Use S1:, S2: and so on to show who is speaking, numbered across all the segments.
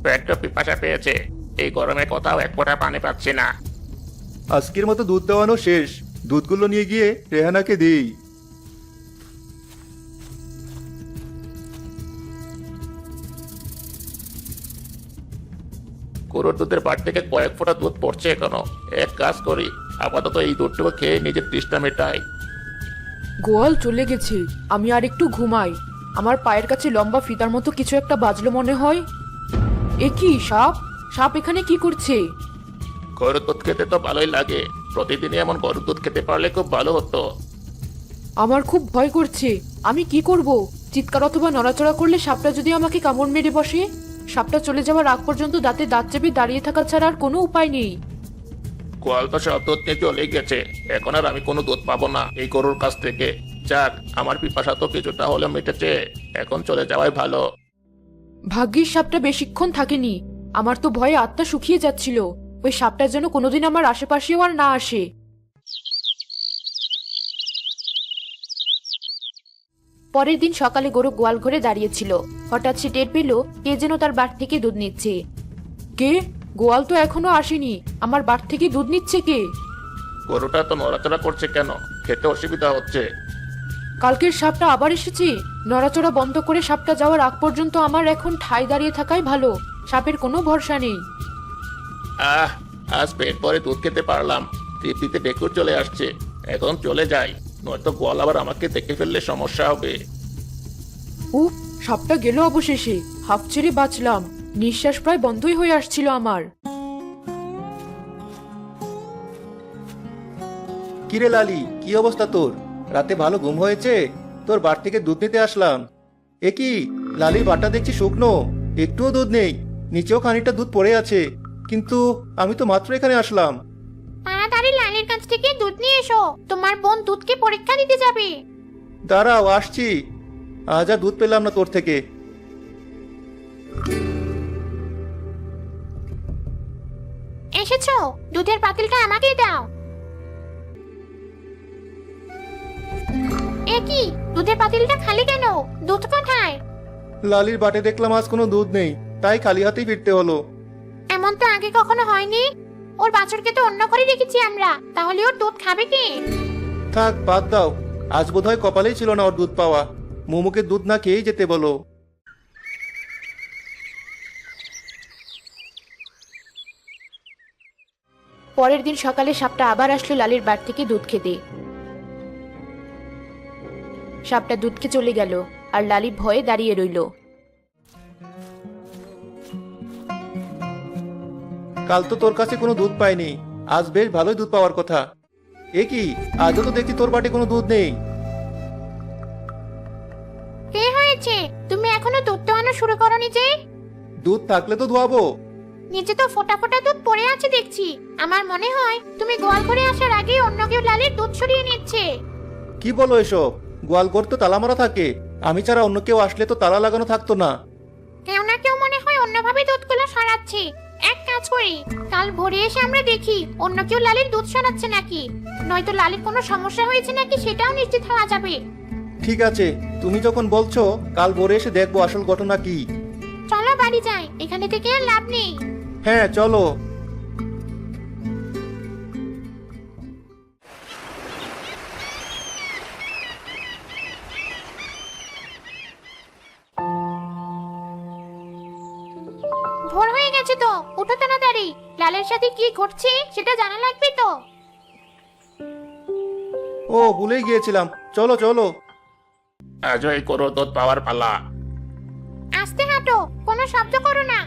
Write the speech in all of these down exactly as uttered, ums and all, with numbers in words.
S1: বড্ড পিপাসা পেয়েছে। এই গরমে কোথাও এক ফোঁটা পানি পাচ্ছি না।
S2: আজকের মতো দুধ দেওয়ানো শেষ। দুধগুলো নিয়ে গিয়ে রেহানাকে দিই।
S1: গরুর দুধের বাট থেকে কয়েক ফোঁটা দুধ পড়ছে এখনো। এক কাজ করি, আপাতত এই দুধটুকু খেয়ে নিজের তৃষ্ণা মেটাই।
S3: গোয়াল চলে গেছে, আমি আর একটু ঘুমাই। আমার পায়ের কাছে লম্বা ফিতার মতো কিছু একটা বাজলো মনে হয়। এ কি সাপ? সাপ এখানে কি করছে?
S1: গরুর দুধ খেতে তো ভালোই লাগে, প্রতিদিনই এমন গরুর দুধ খেতে পারলে খুব ভালো হতো।
S3: আমার খুব ভয় করছে। আমি কি করব? চিৎকার অথবা নড়াচড়া করলে সাপটা যদি আমাকে কামড় মেরে বসে? সাপটা চলে যাওয়ার আগ পর্যন্ত দাঁতে দাঁত চেপে দাঁড়িয়ে থাকা ছাড়া আর কোনো উপায় নেই।
S1: গোয়াল তো সব দুধ নিয়ে চলে গেছে, এখন আর আমি কোনো দুধ পাবো না এই গরুর কাছ থেকে। যাক, আমার পিপাসা তো কিছুটা হলেও মিটেছে, এখন চলে যাওয়াই ভালো।
S3: ভাগ্যিস সাপটা বেশিক্ষণ থাকেনি। আমার তো ভয়ে আত্মা শুকিয়ে যাচ্ছিল। ওই সাপটা যেন কোনোদিন আমার আশেপাশেও আর না আসে। পরের দিন সকালে গরু গোয়াল ঘরে দাঁড়িয়েছিল। হঠাৎ সে টের পেল কে যেন তার বাট থেকে দুধ নিচ্ছে। কে? গোয়াল তো এখনো আসেনি, আমার বাট থেকে দুধ নিচ্ছে কে?
S1: গরুটা তো নড়াচড়া করছে কেন? খেতে অসুবিধা হচ্ছে।
S3: কালকের সাপটা আবার এসেছে। নড়াচড়া বন্ধ করে সাপটা যাওয়ার আগ পর্যন্ত আমার এখন ঠায় দাঁড়িয়ে থাকাই ভালো। সাপের কোনো ভরসা নেই।
S1: আহ, আজ পেট ভরে দুধ খেতে পারলাম, তৃপ্তিতে ডেকুর চলে আসছে। এখন চলে যাই, নয়তো গোয়াল আবার আমাকে দেখে ফেললে সমস্যা হবে।
S3: উফ, সাপটা গেল অবশেষে। হাফ ছেড়ে বাঁচলাম। নিঃশ্বাস প্রায় বন্ধই হয়ে আসছিল আমার।
S2: কিরে লালি, কি অবস্থা তোর? রাতে ভালো ঘুম হয়েছে? তোর বাট থেকে দুধ নিতে আসলাম। এ কি, লালির বাটটা দেখছি শুকনো, একটুও দুধ নেই। নিচেও খানিকটা দুধ পড়ে আছে, কিন্তু আমি তো মাত্র এখানে আসলাম।
S4: তাড়াতাড়ি লালির কাছ থেকে দুধ নিয়ে এসো, তোমার বোন দুধকে পরীক্ষা দিতে যাবে।
S2: দাঁড়াও, আসছি। আজ আর দুধ পেলাম না তোর থেকে।
S4: এসেছো? দুধের পাতিলটা আমাকেই দাও। এ কি, দুধের পাতিলটা খালি কেন? দুধ কোথায়?
S2: লালির বাটে দেখলাম আজ কোনো দুধ নেই, তাই খালি হাতেই ফিরতে হলো।
S4: এমন তো আগে কখনো হয়নি। ওর বাছুরকে তো অন্য ঘরে রেখেছি আমরা, তাহলে ওর দুধ খাবে কি?
S2: থাক, বাদ দাও। আজ বোধহয় কপালেই ছিল না ওর দুধ পাওয়া। মোমোকে দুধ না খেয়েই যেতে বলো।
S3: পরের দিন সকালে সাপটা আবার আসলো লালির বাট থেকে দুধ খেতে। সাপটা দুধ খেয়ে চলে গেল, আর লালি ভয়ে দাঁড়িয়ে রইল।
S2: কাল তো তোর কাছে কোনো দুধ পাইনি, আজ বেশ ভালোই দুধ পাওয়ার কথা। এ কি, আজও তো দেখছি তোর বাটে কোনো দুধ নেই।
S4: কে হয়েছে? তুমি এখনো দুধ দোয়ানো শুরু করনি যে?
S2: দুধ থাকলে তো ধোয়াবো।
S4: নিচে তো ফোটা ফোটা দুধ পড়ে আছে দেখছি। আমার মনে হয় তুমি গোয়াল ঘরে আসার আগে অন্য কেউ লালির দুধ সরিয়ে নিচ্ছে।
S2: কি বলো এসব? গোয়ালঘর তো তালা মারা থাকে, আমি ছাড়া অন্য কেউ আসলে তো তালা লাগানো থাকতো না।
S4: কেউ না কেউ মনে হয় অন্যভাবে দুধগুলো সরাচ্ছে। এক কাজ করি, কাল ভোরে এসে আমরা দেখি অন্য কেউ লালির দুধ সরাচ্ছে নাকি। নয়তো লালির কোনো সমস্যা হয়েছে নাকি সেটাও নিশ্চিত হওয়া যাবে।
S2: ঠিক আছে, তুমি যখন বলছো, কাল ভোরে এসে দেখবো আসল ঘটনা কি।
S4: চলো বাড়ি যাই, এখানে থেকে আর লাভ নেই।
S2: হ্যাঁ, চলো।
S4: ভোর হয়ে গেছে তো, উঠো তাড়াতাড়ি। লালের সাথে কি ঘটছে সেটা জানা লাগবে তো।
S2: ও, ভুলেই গিয়েছিলাম। চলো চলো।
S1: আজও এই গরুর দুধ পাওয়ার পালা।
S4: আস্তে হাঁটো, কোনো শব্দ করো না।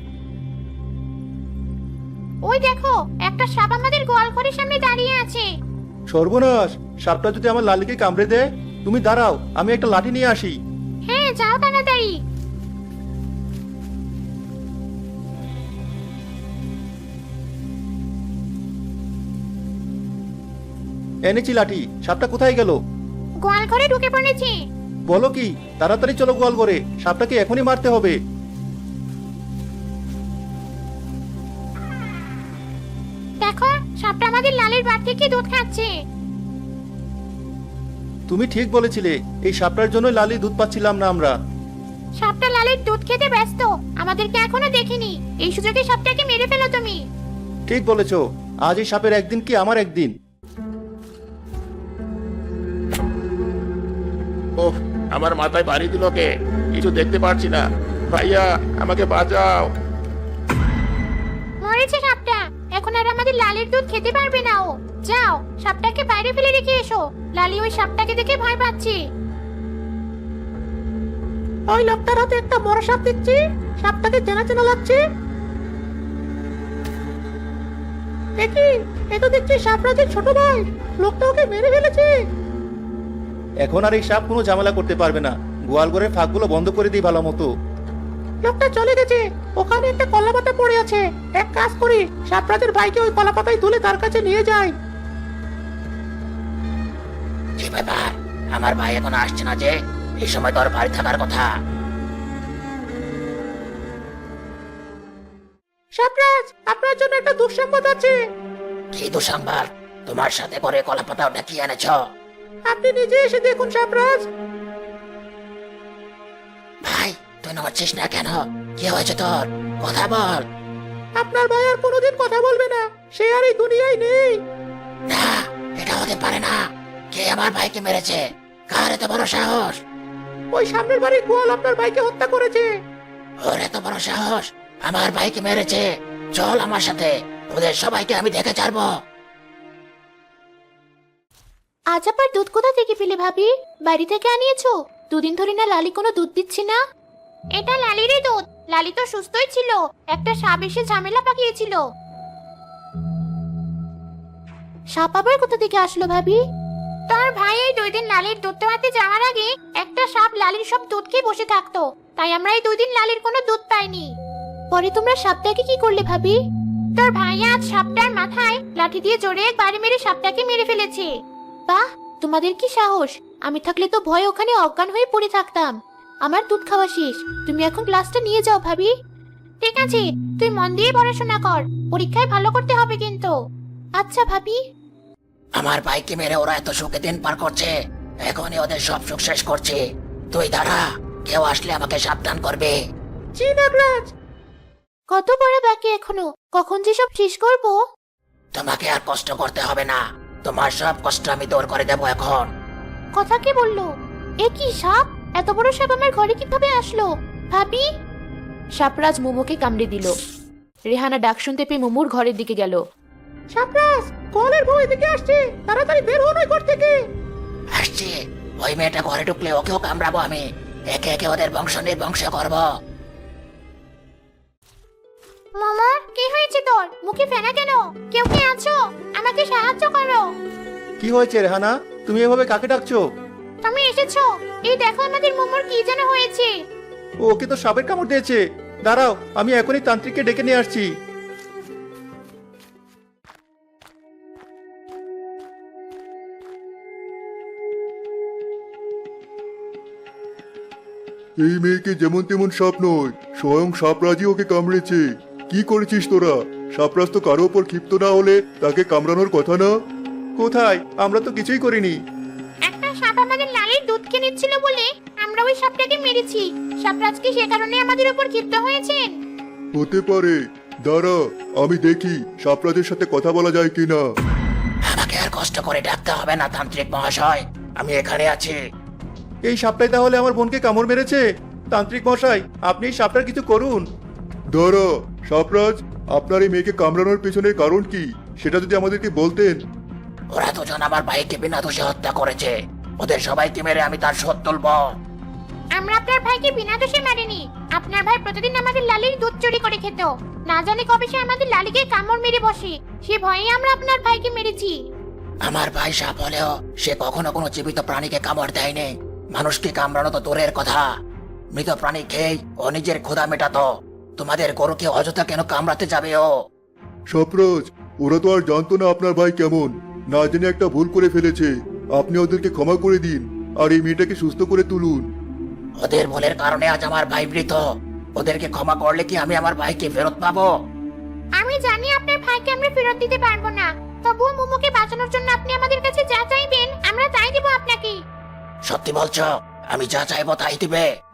S4: ওই দেখো, একটা সাপ আমাদের গোয়াল ঘরের সামনে দাঁড়িয়ে আছে।
S2: সর্বনাশ, সাপটা যদি আমার লালিকে কামড়ে দেয়। তুমি দাঁড়াও, আমি একটা লাঠি নিয়ে আসি।
S4: হ্যাঁ, যাও তাড়াতাড়ি।
S2: এনেছি লাঠি। সাপটা কোথায় গেল?
S4: গোয়াল ঘরে ঢুকে পড়েছে।
S2: বলো কি? তাড়াতাড়ি চলো গোয়াল ঘরে, সাপটাকে এখনই মারতে হবে।
S4: দেখো, সাপটা আমাদের লালের বাট থেকে দুধ খাচ্ছে।
S2: তুমি ঠিক বলেছিলে, এই সাপটার জন্য লালি দুধ পাচ্ছিলাম না আমরা।
S4: সাপটা লালির দুধ খেতে ব্যস্ত, আমাদেরকে এখনো দেখেনি। এই সুযোগে সাপটাকে মেরে ফেলো তুমি।
S2: ঠিক বলেছো, আজ এই সাপের একদিন কি আমার একদিন।
S1: ওহ, আমার মাথায় বাড়ি দিল কে? কিছু দেখতে পারছি না। ভাইয়া, আমাকে বাঁচাও।
S4: মরেছে সাপটা, এখন আর আমাদের লালির দুধ খেতে পারবে না ও। যাও, সাপটাকে বাইরে ফেলে রেখে এসো। লালি ওই সাপটাকে দেখে ভয় পাচ্ছে। ওই লোকটার হাতে একটা বড় সাপ দেখছি, সাপটাকে চেনা চেনা লাগছে। দেখি, এ তো দেখছি সাপরাজের ছোট ভাই। লোকটা ওকে মেরে ফেলেছে।
S2: এখন আর এই সাপ কোনো ঝামেলা করতে পারবে না। গোয়াল ঘরের ফাঁকগুলো বন্ধ করে দিই ভালো মতো।
S4: লোকটা চলে গেছে, ওখানে একটা কলা পাতা পড়ে আছে। এক কাজ করি, সাপরাজের ভাইকে ওই কলা পাতায় তুলে তার কাছে নিয়ে যাই।
S5: কি ব্যাপার, আমার ভাই এখন আসছে না যে? এই সময় তোর বাড়ি থাকার কথা।
S4: সাপরাজ, আপনার জন্য একটা দুঃসংবাদ আছে।
S5: কি দুঃসংবাদ? তোমার সাথে করে কলাপাতা ওটা কি এনেছ?
S4: আপনি নিজে এসে দেখুন সাপরাজ।
S5: ভাই, তুই নড়ছিস না কেন? কি হয়েছে তোর? কথা বল।
S4: আপনার ভাই আর কোনোদিন কথা বলবে না, সে আর এই দুনিয়ায় নেই।
S5: না, এটা হতে পারে না। কে আমার ভাইকে মেরেছে? কার এত বড় সাহস?
S4: ওই সামনের বাড়ির গোয়াল আপনার ভাইকে হত্যা করেছে।
S5: ওর এত বড় সাহস আমার ভাইকে মেরেছে? চল আমার সাথে, ওদের সবাইকে আমি দেখে ছাড়বো।
S4: আজ আবার দুধ কোথা থেকে পেলে ভাবি? বাড়ি থেকে আনিয়েছো? দুদিন ধরে না লালি কোনো দুধ দিচ্ছে না। এটা লালিরই দুধ। লালি তো সুস্থই ছিল, একটা সাপ এসে ঝামেলা পাকিয়েছিল। সাপ আবার কোথা থেকে আসলো ভাবি? তোর ভাই এই দুই দিন লালির দুধ দেওয়াতে যাওয়ার আগে একটা সাপ লালির সব দুধ খেয়ে বসে থাকতো, তাই আমরা এই দুই দিন লালির কোনো দুধ পাইনি। পরে তোমরা সাপটাকে কি করলে ভাবি? তোর ভাই আজ সাপটার মাথায় লাঠি দিয়ে জোরে এক বাড়ি মেরে সাপটাকে মেরে ফেলেছে। বাহ, তোমাদের কি সাহস! আমি থাকলে তো ভয়ে ওখানে অজ্ঞান হয়ে পড়ে থাকতাম। আমার দুধ খাওয়া শেষ, তুমি এখন ক্লাসটা নিয়ে যাও ভাবি। ঠিক আছে, তুই মন দিয়ে পড়াশোনা কর, পরীক্ষায় ভালো করতে হবে কিন্তু। আচ্ছা ভাবি।
S5: আমার ভাইকে মেরে ওরা এত সুখে দিন পার করছে, এখনই ওদের সব সুখ শেষ করছে। তুই দাঁড়া, কেউ আসলে আমাকে সাবধান করবে।
S4: জি নাগরাজ। কত বড় বাকি এখনো, কখন যে সব শেষ করব?
S5: তোমাকে আর কষ্ট করতে হবে না, তোমার সব কষ্ট আমি দূর করে দেবো এখন।
S4: কথা কি বললো? এ কি সাপ? এত বড় সাপ আমার ঘরে কিভাবে আসলো ভাবি?
S3: সাপরাজ মোমোকে কামড়ে দিল। রেহানা ডাক শুনতে পেয়ে মোমোর ঘরের দিকে গেল।
S4: সাপরাজ, কলের বউ এদিকে আসছে, তাড়াতাড়ি বের হন ওই ঘর থেকে।
S5: আসছি, ওই মেয়েটা ঘরে ঢুকলে ওকেও কামড়াবো আমি। একে একে ওদের বংশ নির্বংশ করবো।
S4: মামা, কি হয়েছে তোর? মুখে ফেনা কেন? কেউ কি আছো? আমাকে সাহায্য করো।
S2: কি হয়েছে রেহানা, তুমি এভাবে কাকে ডাকছো?
S4: তুমি এসেছো? এই দেখো আমাদের মোমোর কি যেন হয়েছে।
S2: ওকে তো সাপের কামড় দিয়েছে। দাঁড়াও, আমি এখনই তান্ত্রিককে ডেকে নিয়ে আসছি।
S6: এই মেয়েকে যেমন তেমন সাপ নয়, স্বয়ং সাপরাজই ওকে কামড়েছে। কি করেছিস তোরা? সাপরাজ তো কারো ওপর ক্ষিপ্ত না হলে তাকে কামড়ানোর কথা না।
S2: কোথায়? আমরা তো কিছুই করিনি।
S4: একটা সাপ আমাদের লালির দুধ খেয়ে নিচ্ছিল বলে আমরা ওই সাপটাকে মেরেছি। সাপরাজ কি সে কারণে আমাদের উপর ক্ষিপ্ত হয়েছেন?
S6: হতে পারে, দাঁড়া আমি দেখি সাপরাজের সাথে কথা বলা যায় কিনা।
S5: আমাকে আর কষ্ট করে ডাকতে হবে না তান্ত্রিক মহাশয়, আমি এখানে আছি।
S2: এই সাপটাই তাহলে আমার বোনকে কামড় মেরেছে। তান্ত্রিক মশাই, আপনি এই সাপটার কিছু করুন।
S6: দাঁড়া, সাপরাজ, আপনার এই মেয়েকে কামড়ানোর পেছনের কারণ কি সেটা যদি আমাদেরকে বলতেন।
S5: ওরা দুজন আমার ভাইকে বিনা দোষে হত্যা করেছে, ওদের সবাইকে মেরে আমি তার শোধ তুলব।
S4: আমরা আপনার ভাইকে বিনা দোষে মারিনি। আপনার ভাই প্রতিদিন আমাদের লালির দুধ চুরি করে খেত। না জানি কবে সে আমাদের লালিকে কামড় মেরে বসে, সে ভয়ে আমরা আপনার ভাইকে মেরেছি।
S5: আমার ভাই সাপ হলেও সে কখনো কোনো জীবিত প্রাণীকে কামড় দেয়নি। মানুষকে কামড়ানো তো দূরের কথা, মৃত প্রাণী খেয়ে ও নিজের ক্ষুধা মেটাতো। তোমাদের গরুকে অযথা কেন কামড়াতে যাবে ও?
S6: সাপরাজ, ওরা তো আর জানতো না আপনার ভাই কেমন, না জেনে একটা ভুল করে ফেলেছে। আপনি ওদেরকে ক্ষমা করে দিন আর এই মেয়েটাকে সুস্থ করে তুলুন।
S5: ওদের ভুলের কারণে আজ আমার ভাই মৃত। ওদেরকে ক্ষমা করলে কি আমি আমার ভাইকে ফেরত পাবো?
S4: আমি জানি আপনার ভাইকে আমরা ফেরত দিতে পারবো না, তবুও মোমোকে বাঁচানোর জন্য আপনি আমাদের কাছে যা চাইবেন আমরা তাই দেব আপনাকে।
S5: সত্যি বলছো? আমি যা চাইবো তাই দিবে?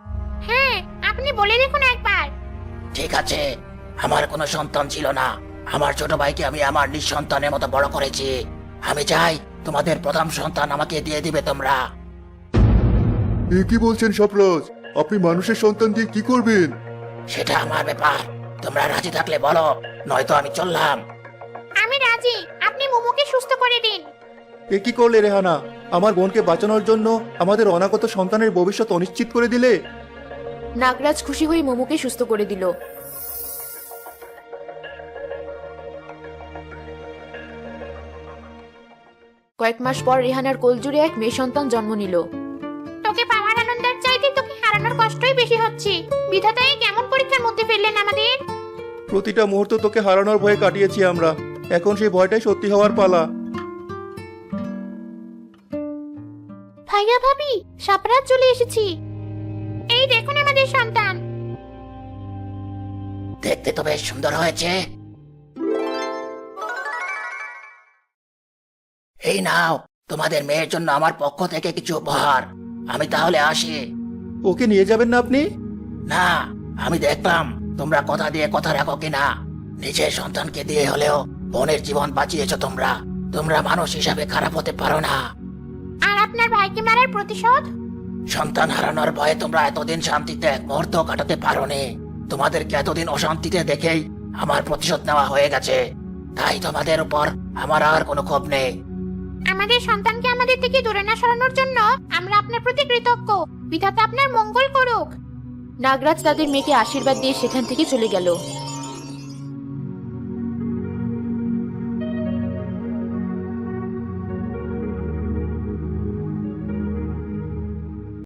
S4: হ্যাঁ, আপনি বলে দেখুন একবার।
S5: ঠিক আছে, আমার কোনো সন্তান ছিল না। আমার ছোট ভাইকে আমি আমার নিঃসন্তানের মতো বড় করেছি। আমি চাই তোমাদের প্রথম সন্তান আমাকে দিয়ে দিবে তোমরা।
S6: এ কি বলছেন সাপরাজ? আপনি মানুষের সন্তান দিয়ে কি করবেন?
S5: সেটা আমার ব্যাপার। তোমরা রাজি থাকলে বলো, নয়তো আমি চললাম।
S4: আমি রাজি, আপনি মোমোকে সুস্থ করে দিন।
S2: এ কি করলে রেহানা? আমার বোনকে বাঁচানোর জন্য আমাদের অনাগত সন্তানের ভবিষ্যৎ অনিশ্চিত করে দিলে।
S3: নাগরাজ খুশি হয়ে মোমোকে সুস্থ করে দিল। কয়েক মাস পর রেহানার কোলজুড়ে এক মেয়ে সন্তান জন্ম নিল।
S4: তোকে পাওয়ার আনন্দের চাইতে তোকে হারানোর কষ্টই বেশি হচ্ছে। বিধাতা এই কেমন পরীক্ষার মধ্যে ফেললেন আমাদের।
S2: প্রতিটা মুহূর্ত তোকে হারানোর ভয়ে কাটিয়েছি আমরা, এখন সেই ভয়টাই সত্যি হওয়ার পালা।
S4: ভাইয়া ভাবি, সাপরাত চলে এসেছি। এই দেখুন আমাদের সন্তান।
S5: দেখতে তো বেশ সুন্দর হয়েছে। এই নাও, তোমাদের মেয়ের জন্য আমার পক্ষ থেকে কিছু উপহার। আমি তাহলে আসি।
S2: ওকে নিয়ে যাবেন না আপনি?
S5: না, আমি দেখলাম তোমরা কথা দিয়ে কথা রাখো কিনা। নিজের সন্তানকে দিয়ে হলেও বোনের জীবন বাঁচিয়েছো তোমরা। তোমরা মানুষ হিসাবে খারাপ হতে পারো না।
S4: আর আপনার ভাইকে মারার প্রতিশোধ?
S5: সন্তান হারানোর ভয়ে তোমরা এতদিন শান্তিতে এক মুহূর্ত কাটাতে পারোনি। তোমাদেরকে এতদিন অশান্তিতে দেখেই আমার প্রতিশোধ নেওয়া হয়ে গেছে। তাই তোমাদের উপর আমার আর কোনো ক্ষোভ নেই।
S4: আমাদের সন্তানকে আমাদের থেকে দূরে না সরানোর জন্য আমরা আপনার প্রতি কৃতজ্ঞ। বিধাতা আপনার মঙ্গল করুক।
S3: নাগরাজ তাদের মেয়েকে আশীর্বাদ দিয়ে সেখান থেকে চলে গেল।